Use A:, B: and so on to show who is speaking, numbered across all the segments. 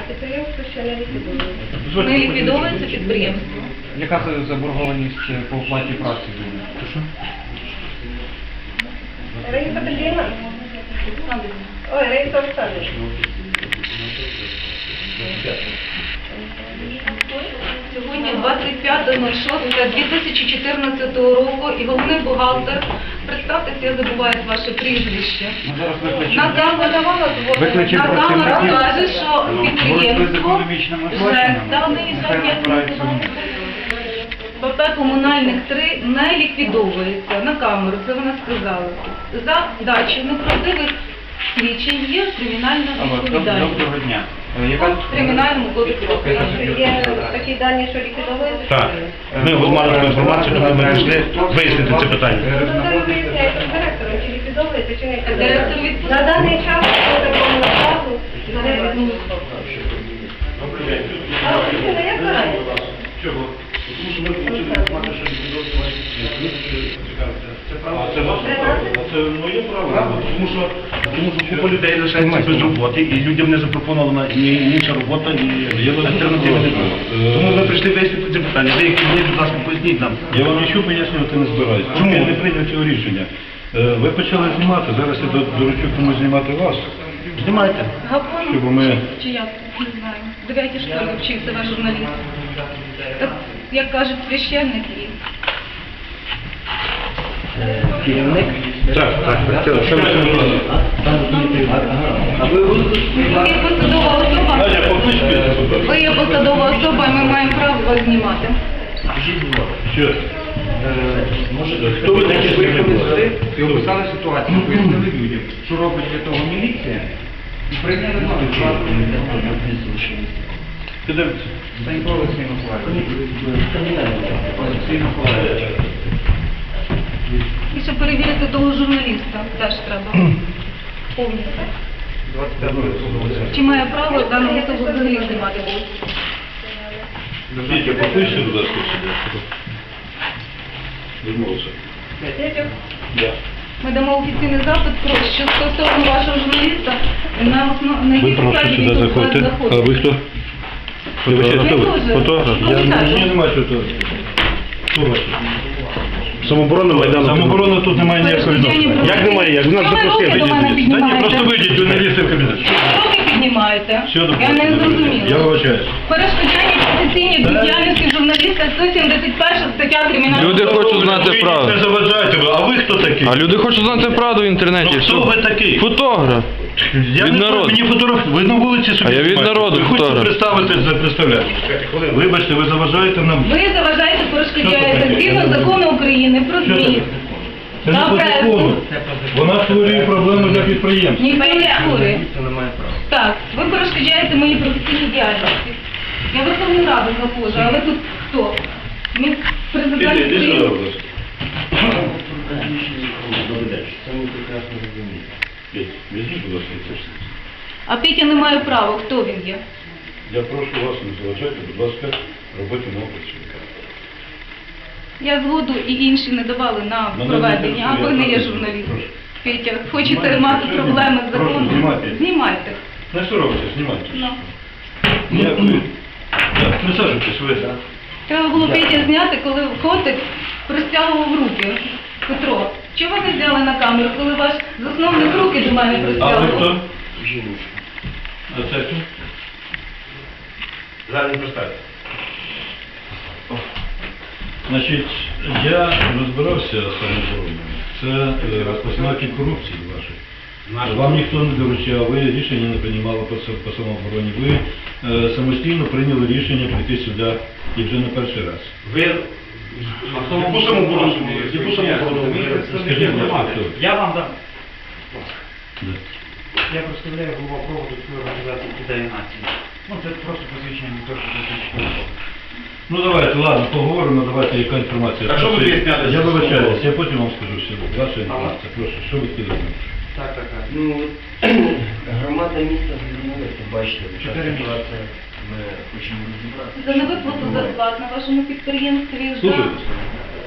A: підприємство ще не ліквідовується.
B: Не ліквідовується підприємство.
C: Яка це заборгованість по оплаті праці буде?
A: Раїса Петрівна? Ой, Раїса Олександровна.
B: Сьогодні 25.06.2014 року і головний бухгалтер, представтеся, я забуваю ваше прізвище. На камеру каже, що підприємство ПП «Комунальних 3» не ліквідовується. На камеру, це вона сказала. За дачу неправдивих свідчень є кримінальна відповідальність.
C: Доброго дня.
B: В Кримінальному кодексі України.
A: Є такі дані, що ліквідовується?
D: Так. Ми мали таку інформацію, коли ми прийшли вияснити це питання.
A: Ну, це ви виясняєте з директором, чи ліквідовується, чи не
B: Директор
A: ліквідовується.
B: відпустив.
A: На даний час по такому накладу не відпустив. А офіційно як карає?
D: Чого? Тому що ми хотіли інформацію, що це моє право. Тому що купа людей лишається без роботи, і людям не запропонована ні інша робота, ні альтернативи не було. Тому ми прийшли вияснити це питання. Деякі мені, будь ласка, поясніть нам.
E: Я вам нічого пояснювати не збираюсь.
D: Чому?
E: Я не прийняв цього рішення. Ви почали знімати, зараз я доручу комусь знімати вас.
D: Знімайте.
B: Гапонов,
E: Щоб ми-
B: чи як, не знаю. В 9-й школі вчився ваш журналіст. Так, як кажуть, священник і...
F: Керівник?
D: Так. Що ми сьогодні робимо?
B: Ви є посадова особа.
E: Надя, покличте сюди.
B: Ви є посадова особа, і ми маємо право вас знімати.
E: Що?
C: Хто ви такі прийшли і описали ситуацію, пояснили людям, що робить для того міліція, і прийняли нові плани.
E: Підемо.
C: Станько Олексій Миколаївич. Олексій Миколаївич.
B: І ще перевірити того журналіста теж треба. Повністю.
C: 25
B: Чи має право дану особу взагалі знімати?
E: Вітя, покличте, будь ласка, сюди. Відмовився.
B: Ми дамо офіційний запит про що стосовно вашого журналіста на
E: Ви
B: якій
E: прошу
B: підставі
E: сюди
B: він тут
E: заходьте. А
B: знаходиться.
E: ви хто? Хто ви?
B: дуже.
E: Фотограф? Мені немає чого тут. Хто ваш?
D: Самооборона Майдану.
E: Самооборона тут немає ніякого відношення.
D: Як немає? Як? Нас
B: Чому ви
D: запросили.
B: руки до мене
E: Та ні,
B: піднімаєте?
E: просто вийдіть, журналісти в кабінет.
B: Руки піднімаєте?
E: Що тут?
B: Я не
E: Я
B: зрозуміла.
E: вибачаюсь.
B: Перешкоджання професійній діяльності журналіста 171 стаття Кримінального
G: Люди
B: кодексу.
G: хочуть знати правду.
E: Не заважайте ви. А ви хто такий?
G: А люди хочуть знати правду в інтернеті.
E: Ну, хто ви такий?
G: Фотограф.
E: Я
G: Від
E: не знаю,
G: народу.
E: мені фотограф, ви на вулиці собі
G: А я від
E: знімаєте.
G: народу
E: Ви хочете
G: фотограф.
E: представити, представляти. Вибачте, ви заважаєте нам.
B: Ви заважаєте,
E: Що це
B: перешкоджаєте
E: таке?
B: згідно закону України про
E: Що
B: ЗМІ.
E: це? Це не
B: Та
E: по
B: пресу.
E: закону. Вона створює проблеми для підприємств.
B: Ніхто не створює. Так, ви перешкоджаєте моїй професійній діяльності. Я Верховну Раду заходжу, а ви тут хто? Ми президент
E: Іди сюди,
B: України.
E: будь ласка. Візьміть, будь ласка, це все.
B: А Петя не має права, хто він є?
E: Я прошу вас не заважайте, будь ласка, роботі мого працівника.
B: Я згоду і інші не давали на
E: Мене
B: проведення, а
E: не
B: ви не є
E: інтересує.
B: журналіст.
E: Прошу.
B: Петя, хочете
E: Знімайте,
B: мати
E: що
B: проблеми з
E: Прошу,
B: законом?
E: знімайте.
B: Знімайте.
E: Не соромтеся, знімайте.
B: Ну.
E: Ніякої. Так, присаджуйтесь, ви.
B: Треба було Петя зняти, коли котик простягував руки. Петро, чого ви не зняли на камеру, коли ваш засновник руки до мене
E: А ви
B: простягував?
E: хто? А це хто?
D: Зараз не представте.
E: Значить, я розбирався з самообороною. Це розпознаки корупції вашої. Вам ніхто не доручав, ви рішення не приймали по самообороні. Ви самостійно прийняли рішення прийти сюди і вже не перший раз.
D: Ви яку самооборону? Яку самооборону?
E: Скажіть, будь ласка, хто?
F: Я вам дам.
E: Да.
F: Я представляю голову проводу цієї організації «Ідеї нації». Ну, це просто посвідчення не то, що посвідчення.
E: Ну давайте, ладно, поговоримо, давайте, яка інформація.
D: А що ви виясняли?
E: Я вибачаюсь, я потім вам скажу, що ваша інформація. Прошу, що ви хотіли знати?
F: Так.
H: Ну, громада міста звернулася, бачите, така
F: 4 місяці.
H: ситуація, ми хочемо розібратися.
B: За невиплату зарплат на вашому підприємстві вже
E: Слухайте,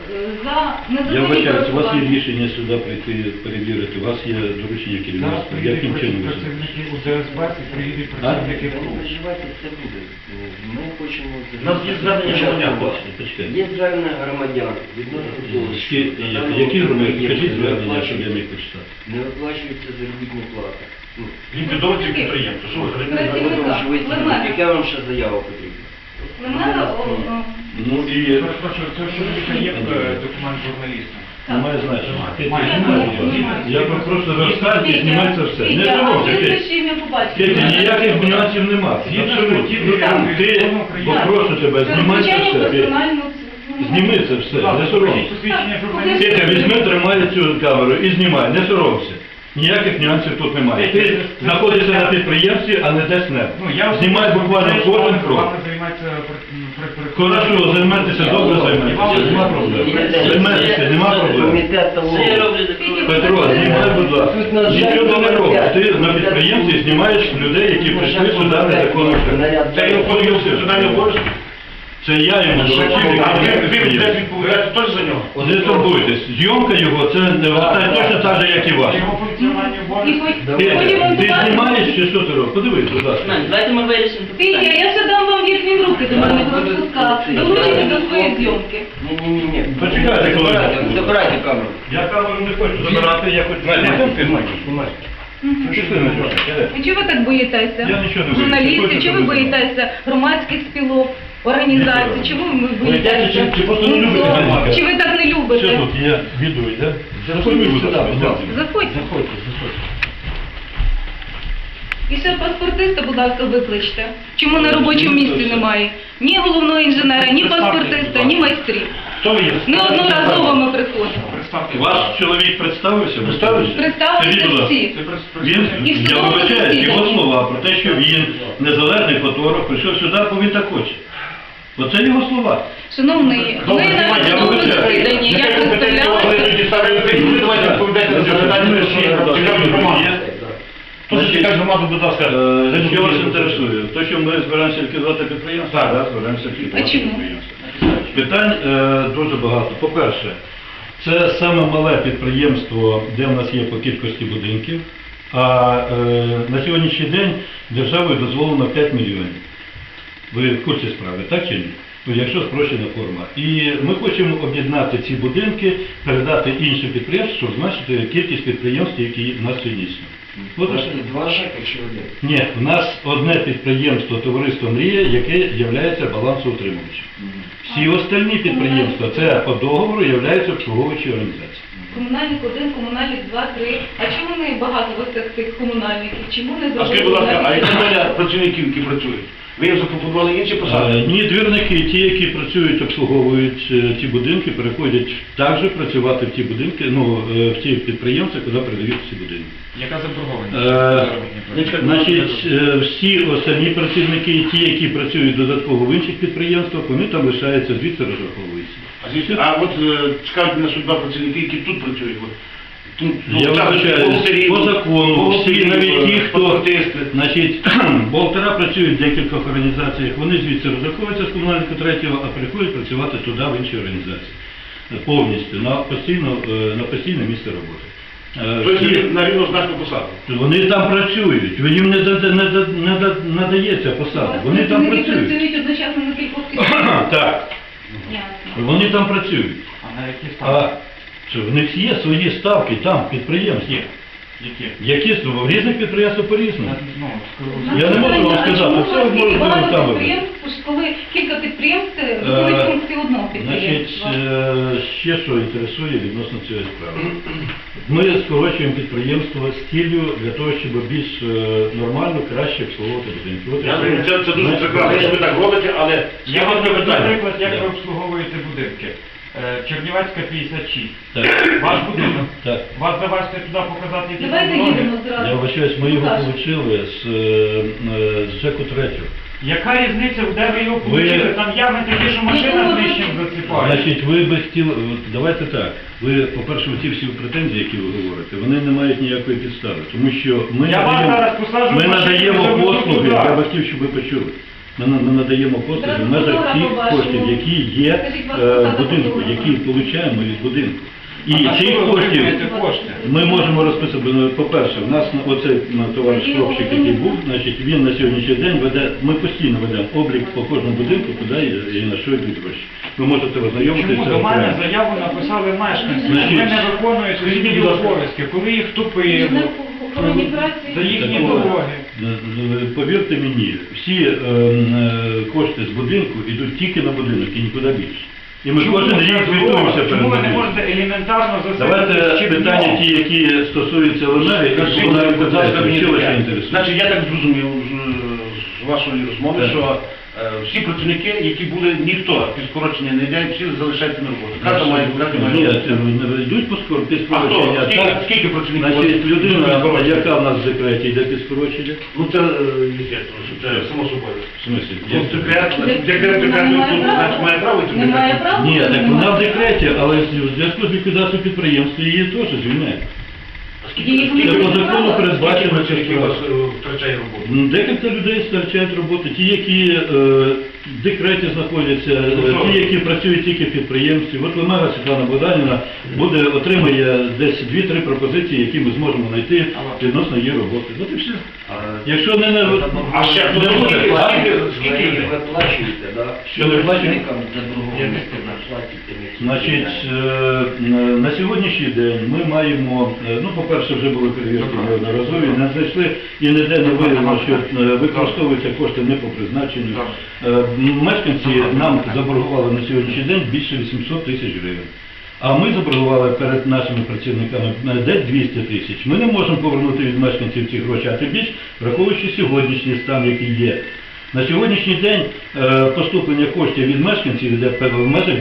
B: за
E: Я
B: незаконні
E: вибачаюсь, у вас є
B: користування.
E: рішення сюди прийти перевірити, у вас є доручення
C: Зараз
E: керівництва.
C: приїдуть
E: Яким чином ви
C: працівники УДСБ і приїдуть працівники
H: Не
C: КРУ.
H: переживайте, це буде. Ми хочемо...
D: У нас є звернення громадян.
E: Почекайте.
H: Є звернення громадян відносно того, що на даному
E: Які громадяни?
H: об'єкті
E: Скажіть
H: не
E: звернення, щоб я
H: виплачується-
E: міг почитати.
H: Не виплачується заробітна плата. Ну,
D: Ліквідовуйте підприємство. Що ви
B: Працівника.
H: от вам ж висновок.
B: Лемена.
H: Яка вам ще заява потрібна?
B: Лемена,
E: Ну і
C: Перепрошую, це що є документ журналіста.
E: немає значення.
C: Немає.
E: Я просто розказую, знімається все. Не
B: Петя, а
E: соромся,
B: ти
E: Петя.
B: ще ім'я побачиш?
E: Петя, ніяких нюансів нема. Абсолютно. Ти, попрошу тебе, знімай це
B: Звичайно,
E: все. Петя.
B: персональну...
E: Зніми це все, не соромся.
C: Посвідчення журналіста.
E: Петя, візьми, тримай цю камеру і знімай, не соромся. Ніяких нюансів тут немає. Ти знаходишся на підприємстві, а не десь не. Знімай буквально кожен крок.
C: Вами займається
E: Хорошо, займайтеся, добре займайтеся, нема проблем. Займайтеся, нема проблем.
H: Комітет того.
E: Петро, знімай, будь ласка. Нічого не робиш. Ти на підприємстві знімаєш людей, які прийшли сюди незаконно.
D: Це його подивився, сюди не обов'язку.
E: Це я йому доручив.
D: А ви будете відповідати теж за нього?
E: Не турбуйтесь. Зйомка його, це не точно так же, як і ваша.
C: Його функціональні
B: І
C: обов'язки.
B: потім
E: Ти знімаєш чи що ти робиш? Подивись, будь ласка.
I: Давайте ми вирішимо це
B: Петя,
I: питання.
B: я ще дам вам їхні руки, до мене будуть спускати. Долучите до своєї зйомки.
H: Ні.
E: Почекайте, коли.
H: Забирайте камеру.
E: Я камеру не хочу забирати, я хочу знімати. Пішли на чого?
B: І чого ви так боїтеся?
E: Я нічого не боюся.
B: Журналісти,
E: Хочете,
B: чого ви
E: ви
B: боїтеся громадських спілок, організацій? Чого ви боїтеся?
E: Чи просто не любите мене?
B: Чи ви так не
E: Що
B: любите?
E: тут, я віду, йде? Заходь, будь ласка.
B: Заходьте.
E: Заходьте.
B: І ще паспортиста, будь ласка, викличте. Чому на робочому місці немає? Ні головного інженера, ні паспортиста, ні майстрів.
E: Хто ви є?
B: Неодноразово ми приходимо.
C: Представте.
E: Ваш чоловік представився? Представився?
B: Представилися
E: Скажіть, будь ласка.
B: всі.
E: Він,
B: І в
E: я
B: судовому
E: вибачаю,
B: засіданні.
E: його слова про те, що він незалежний фотограф, прийшов сюди, бо він так хоче. Оце його слова.
B: Шановний, ми
E: Добре,
B: на
E: я
B: судовому
E: вибачаю.
B: засіданні, я
D: Нехай компетенція вони
B: представляла.
D: тоді ставлять ви давайте відповідайте на це питання, що цікавить громаду. Хто цікавить громаду, будь ласка.
E: Що вас інтересує? То, що ми збираємося ліквідувати підприємство? Так, збираємося ліквідувати
B: А чому?
E: підприємство. Питань дуже багато. По-перше, це саме мале підприємство, де в нас є по кількості будинків, а на сьогоднішній день державою дозволено 5 мільйонів. Ви в курсі справи, так чи ні? Ну, якщо спрощена форма. І ми хочемо об'єднати ці будинки, передати іншим підприємствам, щоб зменшити кількість підприємств, які в нас сьогодні існують. От і все.
H: Два ЖЕКа чи один?
E: Ні, в нас одне підприємство товариство «Мрія», яке є балансоутримувачем. Всі остальні підприємства, це по договору, являються обслуговуючі організації.
B: Комунальник 1, комунальник 2, 3. А чому не багато у вас цих комунальників? Чому не
D: А скажіть, будь ласка, а
B: навіть-
D: які доля працівників, які працюють? Ви їм запропонували інші посади?
E: Ні, двірники, ті, які працюють, обслуговують ті будинки, переходять також працювати в ті будинки, в ті підприємства, куди передають ці будинки.
C: Яка заборгованість?
E: Значить, всі останні працівники, ті, які працюють додатково в інших підприємствах, вони там лишаються, звідси розраховуються.
D: А от цікавить мене судьба працівників, які тут працюють.
E: Я вважаю, по закону, всі, навіть ті, хто,
D: паспортисти.
E: значить, бухгалтера працюють в декількох організаціях, вони звідси розраховуються з комунального третього, а приходять працювати туди, в інші організації. Повністю, на постійне місце роботи.
D: Тобто на рівнозначну посаду.
E: Вони там працюють, їм не надається посада, вони там працюють.
B: працюють одночасно на кількох підприємствах.
E: Так,
B: Ясно.
E: вони там працюють.
C: А на які ставки?
E: Що, в них є свої ставки там, підприємств, які в різних підприємствах по-різному. Я не можу вам сказати, це можна
B: багато
E: там.
B: підприємств, коли кілька підприємств виконують функції одного
E: Значить,
B: підприємства.
E: ще що інтересує відносно цієї справи. Ми скорочуємо підприємство з ціллю для того, щоб більш нормально, краще обслуговувати будинки. От і
D: Я
E: все.
D: думаю, це дуже прекрасно, що ви так робите, але
C: Я
D: є
C: вам
D: одне
C: наведу
D: питання.
C: приклад, як ви обслуговуєте будинки. Чернівецька 56.
E: Так.
C: Ваш будинок.
E: Так.
C: Вас завести туди показати, які
B: Давайте
C: заборони?
B: їдемо зразу.
E: Я вважаюсь, ми його
B: Покажемо.
E: отримали з ЖЕКу 3.
C: Яка різниця, де ви його получили? Там ями такі, що машина знищим засипає.
E: Значить, ви би хотіли, давайте так, ви, по-перше, ті всі претензії, які ви говорите, вони не мають ніякої підстави, тому що ми
C: Я вас зараз посаджу в машину,
E: надаємо
C: заведу
E: послуги,
C: туди.
E: я би хотів, щоб ви почули. Ми надаємо послуги в межах тих коштів, які є в будинку, які отримуємо від будинку. І цих коштів ми можемо розписати. По-перше, в нас оцей товариш хлопчик, який був, значить, він на сьогоднішній день веде, ми постійно ведемо облік по кожному будинку, куди і на що йдуть гроші. Ви можете ознайомитися.
F: Чому до мене заяву написали мешканці?
E: Значить,
F: Вони не виконують
E: скажіть,
F: свої
E: будь ласка,
F: обов'язки, коли їх тупили,
B: Охоронні праці.
F: за їхні
E: Так,
F: дороги.
E: повірте мені, всі кошти з будинку йдуть тільки на будинок і нікуди більше. І ми кожен рік звітуємося перед
F: Чому ви не
E: будинком.
F: можете елементарно
E: Давайте
F: засипати
E: питання ті, які стосуються ЛНР, і
D: Скажіть,
E: вона
D: будь ласка, мені
E: що вас
D: таке.
E: інтересує.
D: Значить, я так зрозумів з вашої розмови,
E: Так.
D: що всі працівники, які були, ніхто під скорочення не йде, всі залишаються на роботі. Кожен має
E: Ні, це йдуть по
D: А хто?
E: скорочення.
D: Скільки працівників?
E: Значить, людина,
D: скорочення?
E: яка в нас в декреті, йде під скорочення.
D: Ну це естественно, що це само собою.
E: В смислі?
D: Ну, декрет, значить, має право йти в
B: Немає
D: декрет?
B: права.
E: Ні, так вона в декреті, але в зв'язку з ліквідацією підприємства її теж звільняють.
B: Їх
E: Це
B: не
E: по закону
B: право.
E: передбачено,
D: Працівники у вас
E: що
D: втрачає роботу.
E: декілька людей втрачають роботу, ті, які в декреті знаходяться, ті, які працюють тільки в підприємстві. От Лемега Світлана Богданівна отримає десь 2-3 пропозиції, які ми зможемо знайти відносно її роботи. От і все. Якщо не
D: А ще хто
E: не
D: скільки-
E: буде,
D: скільки
H: Ви
D: людей?
H: виплачуєте, да?
E: Що ви платите?
H: Працівникам заборгованості платите?
E: Значить, на сьогоднішній день ми маємо, ну, по-перше, вже були перевірки неодноразові, не знайшли і ніде не виявлено, що використовуються кошти не по призначенню. Мешканці нам заборгували на сьогоднішній день більше 800 тисяч гривень. А ми заборгували перед нашими працівниками десь 200 тисяч. Ми не можемо повернути від мешканців ці гроші, а тим більше, враховуючи сьогоднішній стан, який є. На сьогоднішній день поступлення коштів від мешканців йде в межах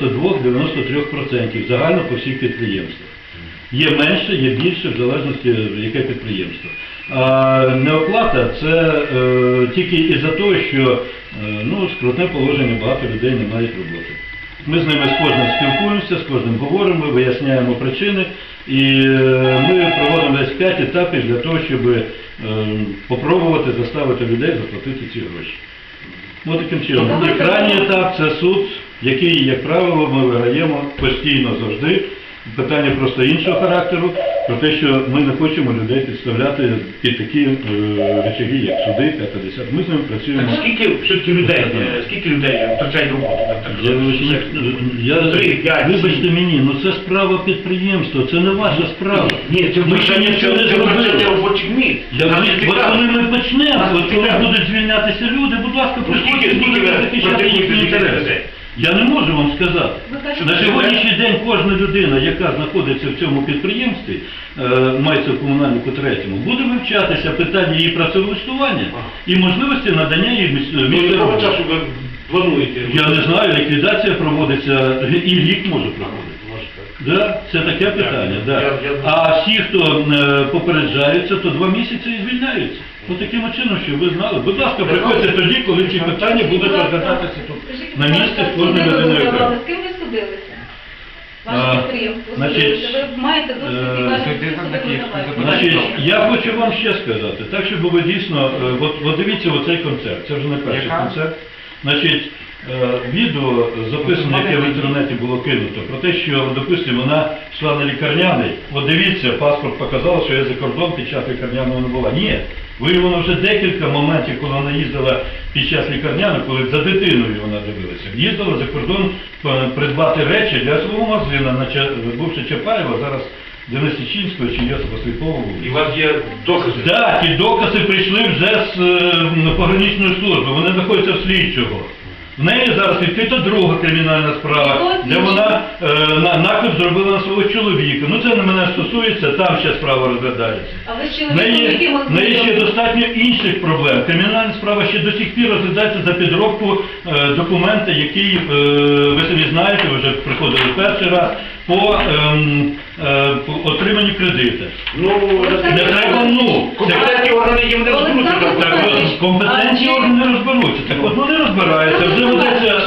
E: 92-93% загально по всіх підприємствах. Є менше, є більше, в залежності, яке підприємство. А неоплата – це тільки із-за того, що скрутне положення, багато людей не мають роботи. Ми з ними з кожним спілкуємося, з кожним говоримо, виясняємо причини, і ми проводимо десь 5 етапів для того, щоб попробувати заставити людей заплатити ці гроші. Ось таким чином. І крайній етап – це суд, який, як правило, ми виграємо постійно завжди. Питання просто іншого характеру, про те, що ми не хочемо людей підставляти під такі речаги, як суди, 50. Ми з ними працюємо.
D: Так скільки все-таки людей втрачають роботу?
E: Вибачте мені, це справа підприємства, це не ваша справа.
D: Ні, це
E: Ми ще нічого не
D: втрачання
E: зробили.
D: робочих місць.
E: От коли ми почнемо, от коли будуть звільнятися люди, будь ласка, приходьте,
D: скільки
E: будете
D: ви
E: захищати
D: практикуєте
E: їхні
D: таких
E: інтереси.
D: людей?
E: Я не можу вам сказати.
B: Ви кажете,
E: На сьогоднішній день кожна людина, яка знаходиться в цьому підприємстві, мається в комунальнику третьому, буде вивчатися питання її працевлаштування і можливості надання їй
D: До
E: місця
D: якого
E: роботи.
D: часу ви плануєте?
E: Я не знаю, ліквідація проводиться і рік може проходити. Да, це таке питання. Да. А всі, хто попереджаються, то 2 місяці і звільняються. Ось таким чином, щоб ви знали. Будь ласка, приходьте тоді, коли ці питання будуть розглядатися тут на місці з кожною людиною.
B: З ким ви судилися? Ваше підприємство
E: значить,
B: судилося. Ви маєте досвід і кажете,
F: судді
B: що
F: за Київську
B: судилися.
E: Значить, я хочу вам ще сказати, так, щоб ви дійсно, от дивіться оцей концерт, це вже не перший
F: Яка?
E: концерт. Значить, відео записане, яке в інтернеті було кинуто, про те, що, допустимо, вона йшла на лікарняний, от дивіться, паспорт показав, що я за кордон під час лікарняного не була. Ні, виявлено вже декілька моментів, коли вона їздила під час лікарняного, коли за дитиною вона дивилася. Їздила за кордон придбати речі для свого магазина, бувши Чапаєва, зараз Денисичинського чи Йосипа Сліпова.
D: І у вас є докази?
E: Так, ті докази прийшли вже з пограничної служби, вони знаходяться в слідчого. В неї зараз відкрита друга кримінальна справа, де вона наклеп зробила на свого чоловіка. Ну це не мене стосується, там ще справа розглядається.
B: Але з
E: В
B: чоловіком, яким
E: неї, в неї ще достатньо інших проблем. Кримінальна справа ще до сих пір розглядається за підробку документа, який, ви самі знаєте, ви вже приходили перший раз, по отриманню кредиту.
D: Ну,
E: Не треба,
D: компетентні органи їм не розберуться.
E: Так, компетентні органи не розберуться. Так от вони розбираються, вже ведеться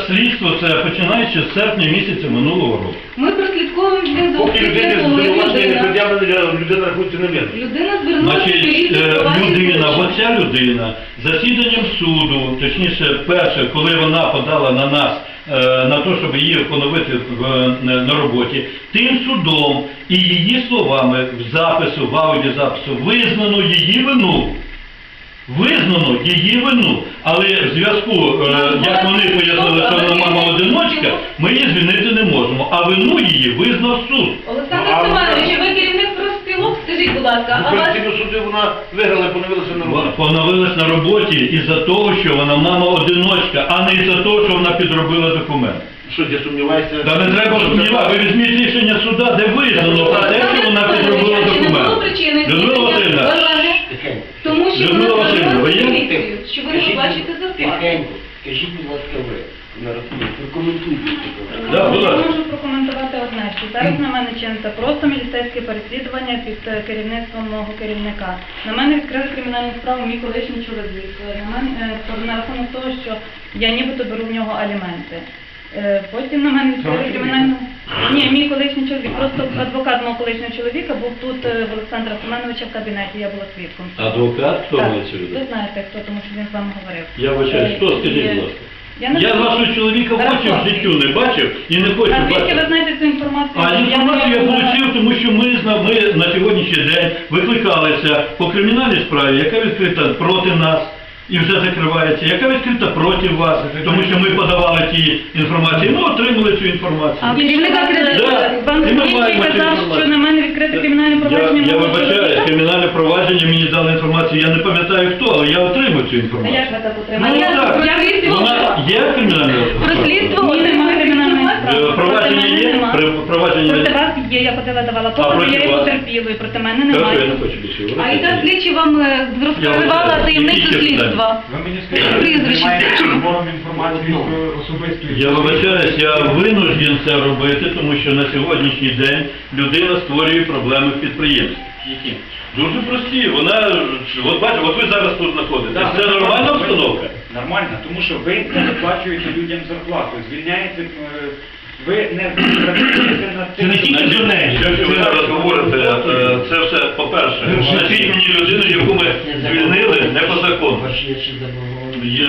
E: слідство це починаючи з серпня місяця минулого року.
B: Ми прослідковуємо з ним
D: Поки
B: зовсім
D: людини
B: для того, як
D: звинувачення не
B: людина.
D: пред'явлено, людина рахується невинною.
B: Людина звернулася
E: Значить, людина, оця людина, засіданням суду, точніше, перше, коли вона подала на нас, на те, щоб її поновити на роботі, тим судом і її словами в запису, в аудіозапису, визнано її вину. Визнано її вину, але в зв'язку, як вони пояснили, що вона мама-одиночка, ми її звільнити не можемо, а вину її визнав суд.
B: Олександр Семенович, ви керівник профспілок, скажіть, будь ласка, а
D: В
B: вас...
D: Конституційному суді вона виграла і поновилася на роботі.
E: Поновилась на роботі із-за того, що вона мама-одиночка, а не із-за того, що вона підробила документ.
D: Що, я сумніваюся?
E: Та не треба сумнівати, ви візьміть рішення суда, де визнано про те, що вона підробила
B: Чи не було
E: документ.
B: причини
E: Людмила
B: звільнення
E: Васильівна,
B: Варвари?
H: Тихенько.
B: Тому що
E: Людмила
B: вона
E: Васильівна, ви є?
B: звернулася в поліцію, що ви не бачите зарплату.
H: Тихенько. Скажіть, будь ласка, ви, на рахунок, прокоментуйте це.
E: Да, будь
I: Я
E: ласка.
I: можу прокоментувати одне, що зараз на мене чиниться просто міліцейське переслідування під керівництвом мого керівника. На мене відкрили кримінальну справу мій колишній чоловік. На мене на рахунок того, що я нібито беру в нього аліменти. Потім на мене відкрили кримінальну... Ні, мій колишній чоловік, просто адвокат мого колишнього чоловіка був тут в Олександра Семеновича в кабінеті, я була свідком.
E: Адвокат, хто
I: Так,
E: мається в виду?
I: ви знаєте хто, тому що він з вами говорив.
E: Я вибачаю, хто, скажіть, будь ласка. Я вашого чоловіка в очі в життю не бачив і не хочу
I: А звідки ви
E: бачити.
I: знаєте цю інформацію?
E: А інформацію я отримав, тому що ми на сьогоднішній день викликалися по кримінальній справі, яка відкрита проти нас і вже закривається, яка відкрита проти вас, тому що ми подавали ті інформації, ми отримали цю інформацію.
I: А керівник
E: Да, і ми маємо цю
I: казав,
E: інформацію.
I: що на мене відкрите кримінальне провадження.
E: Я
I: мого
E: вибачаю,
I: чоловіка.
E: кримінальне провадження мені дали інформацію, я не пам'ятаю хто, але я отримав цю
I: А
E: інформацію.
I: як ви так
E: Ну
I: отримали?
E: так, вона є кримінальне
I: Прослідство немає кримінальної справи.
E: провадження
I: Проти мене
E: є?
I: нема.
E: Провадження
I: Проти
E: є?
I: вас є, я ходила, давала
E: проти
I: покази, я є
E: вас?
I: потерпілою, проти мене
E: Хорошо, я
I: немає.
E: не хочу більше говорити.
B: А яка слідчі вам розкривала
E: вибачаю,
B: таємницю
E: які ще
B: слідства?
F: Ви мені скажіть, ви
B: Прізвище.
F: займаєтеся збором інформації про особистої...
E: Я вибачаюсь, я винужден це робити, тому що на сьогоднішній день людина створює проблеми в підприємстві.
D: Які?
E: Дуже прості, вона, от бачите, от ви зараз тут знаходитесь,
F: Так,
E: це нормальна
F: ви-
E: обстановка?
F: Нормально, тому що ви не виплачуєте людям зарплату, звільняєте, ви не працюєте над
E: Це
F: тим,
E: не тільки
F: щоб-
E: до неї. Що ви зараз говорите, це все, по-перше, назвіть мені людину, яку ми звільнили не по закону.
H: Ваші є ще заборговані.
E: Є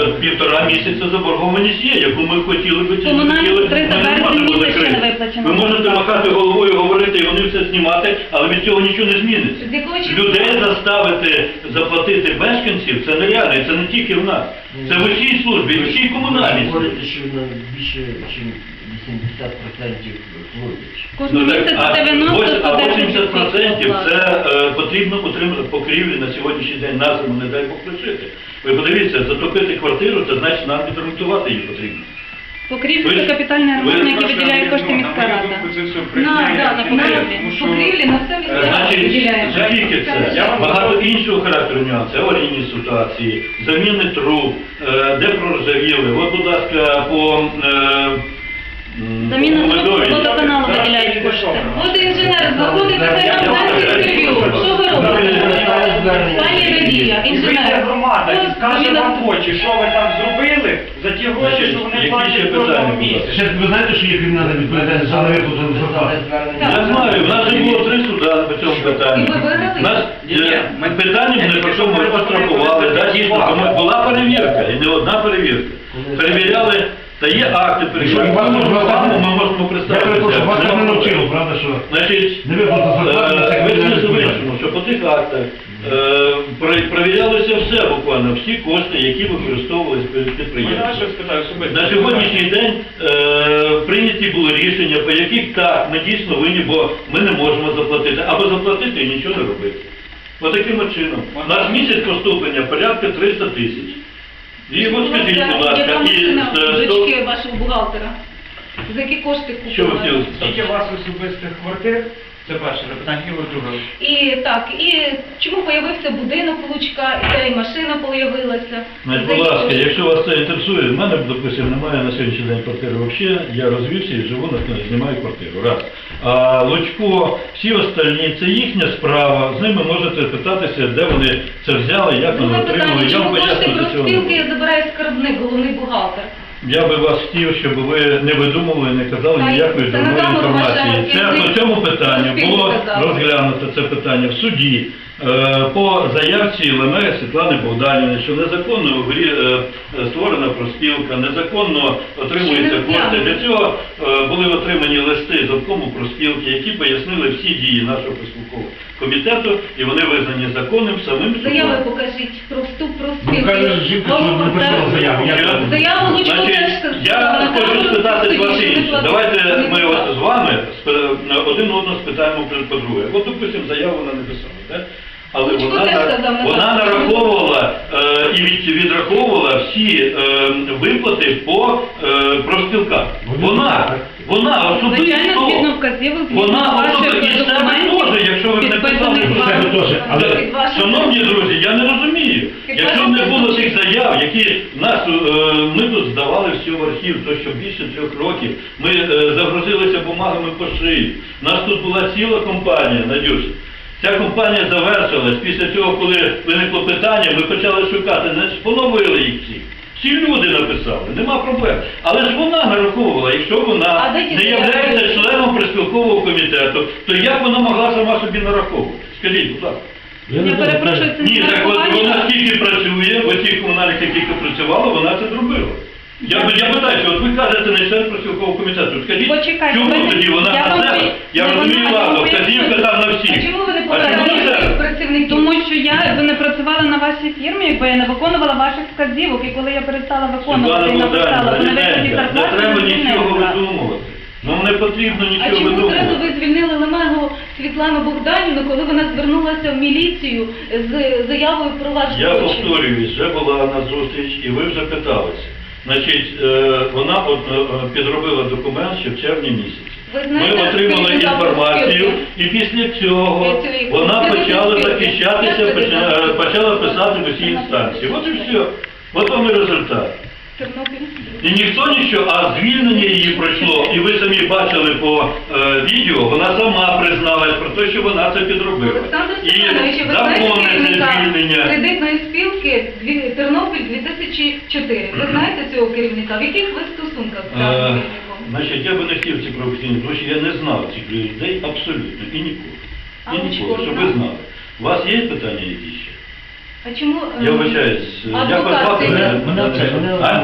E: 1,5 місяця заборгованість є, яку ми хотіли би ці
I: Комунальні
E: хотіли,
I: 300
E: ми не
I: березня
E: можемо
I: місяць ще не
E: закрити.
I: виплачено.
E: Ви можете махати головою, говорити, і вони все знімати, але від цього нічого не зміниться.
B: З якого числа?
E: Людей заставити заплатити мешканців, це нереально, і це не тільки в нас. Це в усій службі, і в усій комунальній
H: Ви
E: службі.
H: говорите, що на більше, ніж 80% платять.
I: Кожного
E: Ну, так,
I: місяця
E: а
I: 90-110%.
E: 80% це потрібно утримати покрівлі на сьогоднішній день, на зиму, не дай Бог пришити. Ви подивіться, затопити квартиру, це значить нам відремонтувати її потрібно.
I: Покрівлю
E: Ви-
I: це капітальний ремонт, на який виділяє кошти міська
F: На мою
I: рада.
F: думку, це все
B: На
F: брехня.
I: покрівлі.
F: Тому що-
B: покрівлі на все місцеве
E: Значить,
B: виділяємо.
E: не тільки це,
F: Я вам
E: багато
F: скажу.
E: іншого характеру нюансів, аварійні ситуації, заміни труб, де проржавіли. От, будь ласка, по
I: Заміна труб
E: Медові.
I: водоканалу виділяють кошти.
B: От інженер знаходиться, хай нам дасть інтерв'ю. Що ви робите? Пані Надія,
F: І вийде
B: інженер.
F: громада і скаже
B: Заміна
F: вам в очі, що ви там зробили за ті гроші,
E: Значить,
F: що вони
E: які ще
F: платять
E: питання,
F: кожного
E: будь ласка?
F: місяця.
E: Ви знаєте, що є кримінальна відповідальність за невиплату зарплати? Я знаю, в нас вже було 3 суда по цьому питанню.
B: І ви виграли?
E: У нас
F: Ні, ми-
E: питання не про що ми пострахували, да, дійсно, тому була перевірка, і не одна перевірка. Перевіряли, та є акти перевірки. Ми можемо представити.
G: правда, що
E: Значить,
G: не виплата зарплати, це
E: ви
G: кримінальна
E: не
G: відповідальність.
E: звичайно, що по тих актах перевірялося все буквально, всі кошти, які використовувалися перед
F: Можна
E: підприємством.
F: щось спитаю особисто?
E: На сьогоднішній день прийняті були рішення, по яких так, ми дійсно винні, бо ми не можемо заплатити, або заплатити і нічого не робити. Ось таким от чином. У нас місяць поступлення порядка 300 тисяч. І от скажіть, будь ласка,
B: Яка машина
E: і
B: дочки вашого бухгалтера? За які кошти
E: що ви
B: купили?
E: хотіли
F: Скільки
E: сказати?
F: у вас особистих квартир? Це перше запитання, і ось друге.
B: І так, і чому появився будинок Лучка, і та й машина появилася?
E: Значить,
B: За
E: будь
B: які
E: ласка,
B: прошу.
E: якщо вас це інтересує, в мене, допустим, немає на сьогоднішній день квартири взагалі, я розвівся і живу, знімаю квартиру, раз. А Лучко, всі остальні, це їхня справа, з ними можете питатися, де вони це взяли, як вони
B: Друге
E: отримали,
B: питання,
E: я
B: чому
E: вам
B: кошти
E: поясню до цього.
B: профспілки забирає скарбник, головний бухгалтер?
E: Я би вас хотів, щоб ви не видумували, не казали
B: Та й
E: ніякої
B: це на
E: дурної
B: камеру
E: інформації.
B: ваше
E: Це
B: керівник
E: по цьому питанню
B: профспілки
E: було
B: казав.
E: розглянуто це питання в суді по заявці Лемеги Світлани Богданівни, що незаконно в грі створена профспілка, незаконно отримуються
B: Ще не
E: кошти.
B: розглянули.
E: Для цього були отримані листи з обкому профспілки, які пояснили всі дії нашого профспілкового комітету, і вони визнані законним самим судом.
B: Заяви покажіть про вступ
G: Ну,
B: профспілки.
G: каже жінка, що не писала заяву.
B: Заяву Лучко
E: Значить,
B: теж сказала.
E: я хочу спитати вас
B: Тоді, що
E: інше.
B: не платили.
E: Давайте
B: Не
E: ми
B: платили.
E: от з вами один одного спитаємо по-друге. От, допустим, заяву вона не писала, так? Але
B: Лучко
E: вона,
B: теж сказав, не
E: вона
B: платили.
E: нараховувала і відраховувала всі виплати по профспілках. Вона
I: Звичайно, згідно
E: особисто,
I: вказівок,
E: вона
I: ваших
E: особисто, і себе
I: документів,
E: теж, якщо ви не писали,
I: підписаних
E: то
I: вами.
G: Себе теж, але
B: Під вашим-
E: Шановні друзі, я не розумію.
B: Під
E: Якщо б
B: вашим
E: не було
B: призначенням.
E: тих заяв, які нас, ми тут здавали все в архів, то що більше 3 років, ми загрузилися бумагами по шиї. У нас тут була ціла компанія, Надюш. Ця компанія завершилась. Після цього, коли виникло питання, ми почали шукати, поновили їх всіх. Всі люди написали, нема проблем. Але ж вона нараховувала, якщо вона
B: А де ті
E: не
B: заяви?
E: являється членом профспілкового комітету, то як вона могла сама собі нараховувати? Скажіть, будь ласка.
I: Я перепрошую, це
E: Ні,
I: не
E: так от
I: нарахування.
E: вона скільки працює, в тих комунальних, яких працювала, вона це зробила. Я питаю, що от ви кажете, не член профспілкового комітету. Скажіть,
I: Почекайте,
E: чому
I: ви-
E: тоді вона
I: я
E: на
I: вам
E: себе?
I: пої-
E: Я
I: не
E: розумію,
I: вона,
E: ладно,
I: я вам
E: вказівка
I: поясню.
E: там на всіх.
B: А чому ви не
E: А чому на
B: попередили
E: себе?
B: працівників?
I: Тому що я би не працювала на вашій фірмі, якби я не виконувала ваших вказівок. І коли я перестала виконувати і
E: Світлана
I: написала,
E: Богданівна,
I: що на виході
E: не
I: зарплати,
E: треба
I: я
E: нічого
I: звільнила.
E: видумувати. Нам не потрібно
B: А
E: нічого
B: чому зразу
E: видумувати.
B: ви звільнили Лемегу Світлану Богданівну, коли вона звернулася в міліцію з заявою про ваш
E: Я
B: злочин?
E: повторююсь, вже була на зустріч, і ви вже питалися. Значить, вона підробила документ ще в червні місяці.
B: Ви знаєте,
E: Ми отримали
B: скільки там
E: інформацію,
B: профспілки?
E: і після цього
B: Я цього
E: вона
B: і
E: почала
B: профспілки.
E: захищатися,
B: Я тобі
E: почала писати в усі інстанції. От і все. От вам і результат.
B: Тернопіль?
E: І ніхто нічого, а звільнення її пройшло, і ви самі бачили по відео, вона сама призналась про те, що вона це підробила.
B: Олександр
E: І
B: Степанович, ви знаєте
E: законне
B: керівника
E: звільнення.
B: кредитної спілки Тернопіль 2004? Ви знаєте цього керівника? В яких ви стосунках з даним керівником?
E: Значить, я би не хотів ці професійні, тому що я не знав цих людей абсолютно, і ніколи.
B: А
E: І
B: Лучко
E: ніколи, щоб
B: знав?
E: ви знали. У вас є питання які ще?
B: А чому...
E: Я вибачаюсь, як вас
B: адвокат
E: звати?
B: це-
E: А?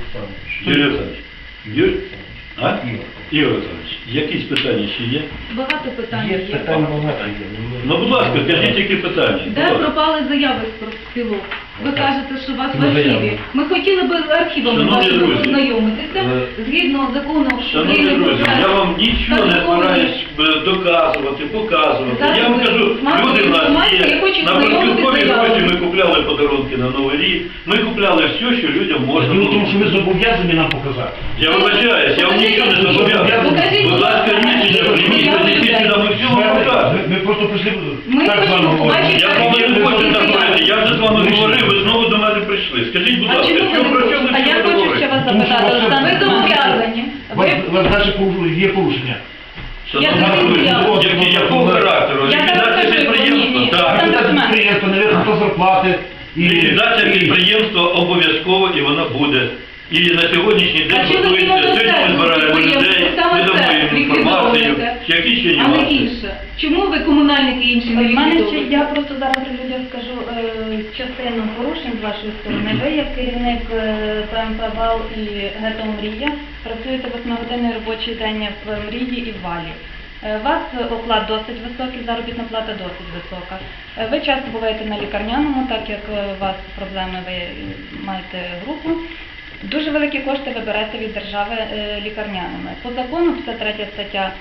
E: Юрій Олександрович. Юрій? А? Ігор Олександрович, якісь питання ще є?
B: Багато питань
H: Є
B: є.
H: питань багато.
E: Ну, будь ласка, скажіть, які питання. Будь
B: Де
E: ласка.
B: пропали заяви з профспілок? Ви кажете, що у вас в
G: Ну,
B: архіві.
G: заяви.
B: Ми хотіли би з архівами
E: Шановні
B: вашими
E: друзі,
B: познайомитися. Згідно закону
E: Шановні
B: України про
E: друзі, я вам нічого не
B: статутний-
E: збираюсь доказувати, показувати.
B: Зараз
E: Я вам
B: ви
E: кажу,
B: маєте
E: люди в нас
B: інформацію,
E: є.
B: я хочу
E: На
B: знайомитися
E: профспілкові
B: з заявами.
E: гроші ми купляли подарунки на Новий рік, ми купляли все, що людям можна
G: Діло в
E: було.
G: тому, що ви зобов'язані нам показати.
E: Я вибачаюсь, я вам нічого не зобов'язаний.
B: Покажіть,
E: Будь ласка, рішення прийміть, принесіть сюди, ми все вам покажемо.
G: Ми просто прийшли
B: Ми
G: так з вами
B: хочемо
G: говорити.
B: побачити-
E: Я з вами не хочу так говорити, я вже з вами говорив, ви знову до мене прийшли. Скажіть, будь
B: А
E: ласка,
B: чому ви
E: що
B: не
E: про
B: хочете?
E: що ми
I: А я
E: всі
I: хочу ще
E: говоримо?
I: вас
G: Тому що
I: запитати,
G: ваше-
I: Олександр,
B: Ви зобов'язані.
G: У вас далі є порушення.
E: Шановні
B: Я
E: друзі,
B: зобов'язана.
E: якого характеру?
I: Я зараз
E: Ліквідація
I: кажу,
E: підприємства?
I: ні.
E: Так.
I: Там
G: Це
I: документ.
G: підприємство, не виплата зарплати.
E: Ліквідація підприємства обов'язково і вона буде. І на сьогоднішній день
B: А чи ви
E: готується, сьогодні ми
B: не
E: збираємо
B: підприємство,
E: людей,
B: саме
E: ми дамо
B: це
E: їм інформацію,
B: ліквідовуєте?
E: які ще
B: А не
E: нюанси.
B: інше. Чому ви комунальники інші не
I: В мене ще,
B: ліквідовуєте?
I: я просто зараз людям скажу частину порушень з вашої сторони. Ви, як керівник ПМП «Вал» і ГЕТО «Мрія», працюєте 8-годинний робочий день в «Мрії» і в «Валі». У вас оклад досить високий, заробітна плата досить висока. Ви часто буваєте на лікарняному, так як у вас проблеми, ви маєте групу. Дуже великі кошти ви берете від держави лікарняними. По закону, 53 стаття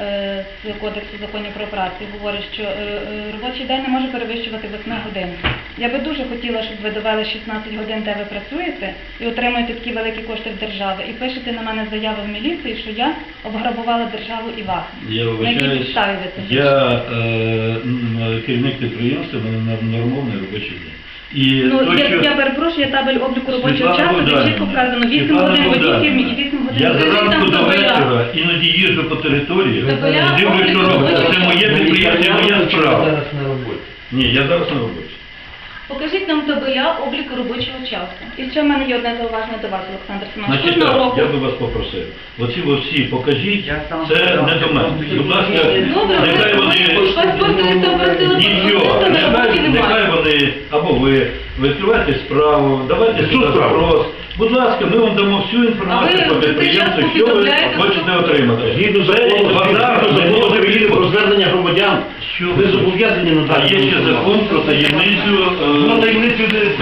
I: з Кодексу законів про працю говорить, що робочий день не може перевищувати 8 годин. Я би дуже хотіла, щоб ви довели 16 годин, де ви працюєте, і отримуєте такі великі кошти в держави, і пишете на мене заяву в міліції, що я обграбувала державу і вас.
E: Я
I: На якій
E: вибачаюсь,
I: підставі ви це
E: я керівник підприємства, в мене нормальний робочий день. І
I: Ну,
E: то, що-
I: я перепрошую, є табель обліку робочого
E: Світлана
I: часу, де
E: Богданівна,
I: чітко вказано 8
E: Світлана
I: годин водій
E: Богданівна,
I: фірмі і 8 годин
E: Я
I: водій.
E: зранку до
I: Там
E: вечора іноді їжджу по території,
B: Табеля
E: дивлюсь, що
B: обліку
E: робиться.
B: робочого
E: Це моє
B: часу.
E: підприємство, це моя
H: Ви
E: справа.
H: зараз на роботі.
E: Ні, я зараз на роботі.
B: Покажіть нам табеля обліку робочого часу.
I: І ще в мене є одне зауваження до вас, Олександр Семенович.
E: Значить
I: Кожного
E: так,
I: року
E: я би вас попросив. Оці всі покажіть,
F: Я сам
E: це
F: сказав,
E: не до мене.
F: що
E: Будь ласка,
B: Добре,
E: нехай
B: ви
E: вони...
B: паспорти попросили
E: Нічого,
B: паспорти, на роботі
E: нехай
B: немає.
E: вони, або ви відкривайте справу, давайте
G: Яку
E: сюди
G: справу?
E: запрос. Будь ласка, ми вам дамо всю
B: А
E: інформацію
B: ви
E: про
B: за цей
E: підприємство,
B: час
E: що ви
B: повідомляєте,
E: хочете
B: що-
E: отримати.
G: Згідно
E: Це
G: закону
E: базар, не може
G: України про
E: бути.
G: звернення громадян,
E: Що
G: ви зобов'язані
E: А
G: надати.
E: є ще закон про таємницю.
G: Ну, таємницю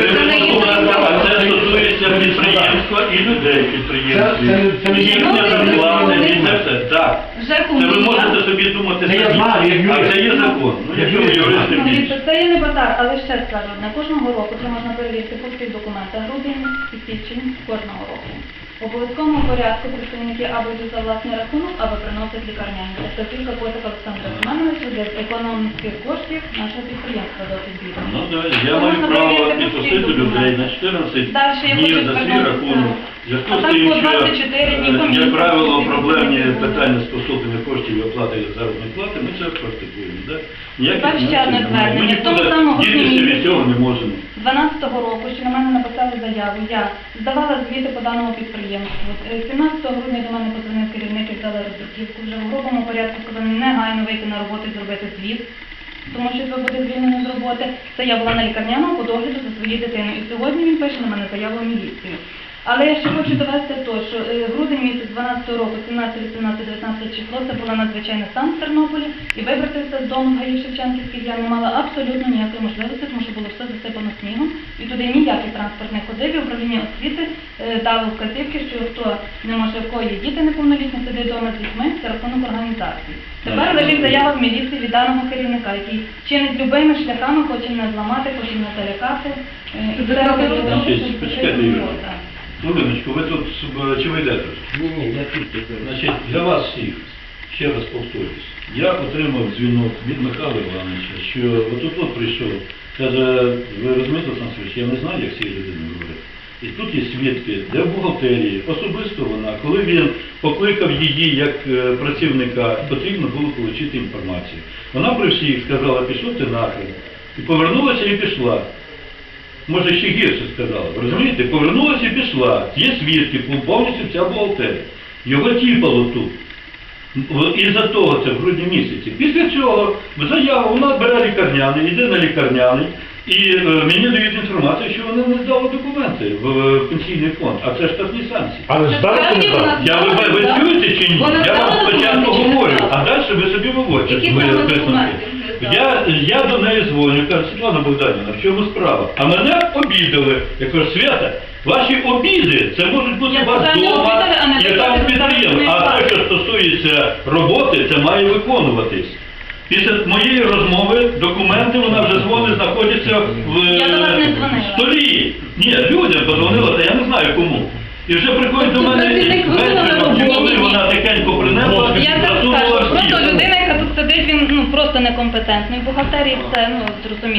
E: А це стосується підприємства і людей підприємстві.
G: Це не є-
E: Їхня зарплата, і це все. Так.
B: ЖЕКу
E: Це ви
B: мрія.
E: можете собі думати
G: Це я
E: самі.
G: знаю, як юрист.
E: А це є закон. Ну, якщо ви юристи більше.
I: Дивіться, це є не базар, але ще скажу одне. Кожного року це можна перевірити по всіх документах. Грудень і січень кожного року. В обов'язковому порядку представники або йдуть за власний рахунок, або приносять лікарняні. Тобто тільки Котик Олександр Романович для економських коштів нашого підприємства досить бідно.
E: Ну так, я маю право відпустити людей на 14
I: Дальше я
E: днів
I: хочу
E: за свій
I: звернутися.
E: рахунок. В зв'язку
I: А
E: з
I: так
E: тим,
I: по
E: що,
I: 24 дні комісія.
E: як правило, проблемні
I: Комісія.
E: питання з поступлення коштів і оплати заробітної плати, ми це практикуємо. Да?
I: Тепер ще одне
E: Ми
I: звернення. В тому
E: нікуди
I: самому
E: дітися від
I: місяці.
E: цього не можемо.
I: 12-го року, що на мене написали заяву, я здавала звіти по даному підприємству. 17 грудня до мене подзвонив керівник і взяли роздруківку. Вже в грубому порядку сказали негайно вийти на роботу і зробити звіт, тому що ви буде звільнено з роботи. Це я була на лікарняному по догляду за своєю дитиною. І сьогодні він пише на мене заяву в міліцію. Але я ще хочу довести то, що грудень місяць 12 року, 17, 18, 19 число, це була надзвичайний стан в Тернополі, і вибратися з дому в Гаї Шевченківській я не мала абсолютно ніякої можливості, тому що було все засипано снігом, і туди ніякий транспорт не ходив, і управління освіти дало вказівки, що хто не може, в кого є діти неповнолітні, сидить вдома з дітьми, це рахунок організації. Тепер лежить заява в міліції від даного керівника, який чинить любими шляхами, хоче мене зламати, хоче мене залякати.
E: Значить, почекайте, Юрій. Хвилиночку, ви тут, чи ви йдете?
H: Ні, я тільки зараз.
E: Значить, для вас всіх, ще раз повторюсь, я отримав дзвінок від Михайла Івановича, що от прийшов, каже, ви розумієте, Олександр Сергійович, я не знаю, як з цією людиною говорити. І тут є свідки, де в бухгалтерії, особисто вона, коли він покликав її як працівника, потрібно було отримати інформацію. Вона при всіх сказала, пішов ти нахрен. І повернулася і пішла. Може, ще гірше сказала, ви розумієте? Повернулася і пішла. Є свідки, повністю вся бухгалтерія. Його тіпало тут. Із-за того це в грудні місяці. Після цього заяву, вона бере лікарняний, йде на лікарняний, і мені дають інформацію, що вони не здали документи в пенсійний фонд, а це штатні санкції.
G: Але здали чи не здали?
E: Ви чуєте чи ні?
B: Вона
E: Я вам
B: здала
E: спочатку
B: документи чи не
E: говорю,
B: здала?
E: а далі ви собі виводьте
B: Які
E: свої
B: саме
E: висновки.
B: документи не здала?
E: Я до неї дзвоню, кажу, Світлана Богданівна, в чому справа? А мене обідали. Я кажу, Свята, ваші обіди, це можуть бути
I: Я
E: у вас
I: сказала, не
E: вдома
I: обідали, а не
E: і там
I: виконали
E: підприємство. А
I: заробітної
E: те, що стосується роботи, це має виконуватись. Після моєї розмови документи, вона вже дзвонить, знаходяться в
I: Я до вас не дзвонила.
E: столі. Ні, людям подзвонила, та я не знаю кому. І вже приходить до
B: Тобто
E: мене
B: працівник виконав
E: вечором,
B: роботу?
E: коли вона тихенько принесла,
I: Я так
E: засунула
I: скажу,
E: в
I: просто
E: стіл.
I: людина, яка тут сидить, він просто некомпетентний. В бухгалтерії все, зрозуміло.